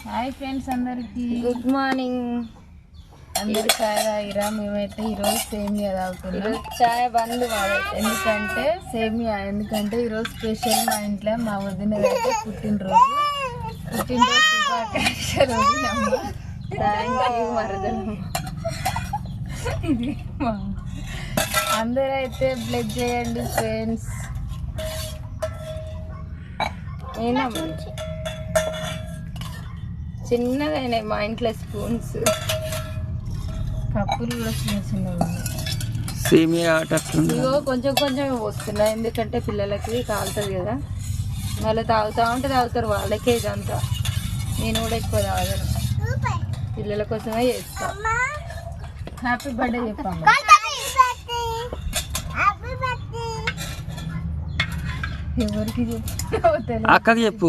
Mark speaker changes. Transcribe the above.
Speaker 1: Hi friends, అందరికి
Speaker 2: good morning.
Speaker 1: అందరు చాయ్ తాగిరా? మేమైతే ఈరోజు సేమియా తాగుతున్నాం.
Speaker 2: చాయ్ బంద్
Speaker 1: ఎందుకంటే ఈరోజు స్పెషల్ మా ఇంట్లో మా వదిన అయితే పుట్టినరోజు శుభాకాంక్షలు. ఇది అందరూ అయితే బ్లెస్ చేయండి ఫ్రెండ్స్.
Speaker 2: చిన్నగా అయినాయి మా ఇంట్లో స్పూన్స్,
Speaker 1: కప్పులు కూడా చిన్న చిన్నగా
Speaker 2: సేమియా ఇగో కొంచెం కొంచెం వస్తున్నాయి, ఎందుకంటే పిల్లలకి కాలుతుంది కదా. వాళ్ళు తాగుతారు వాళ్ళకే ఇదంతా. నేను కూడా ఎక్కువ తాగను, పిల్లల కోసమే చేస్తా.
Speaker 1: హ్యాపీ బర్త్డే చెప్పాము. ఎవరికి చెప్పు, అక్కకి చెప్పు.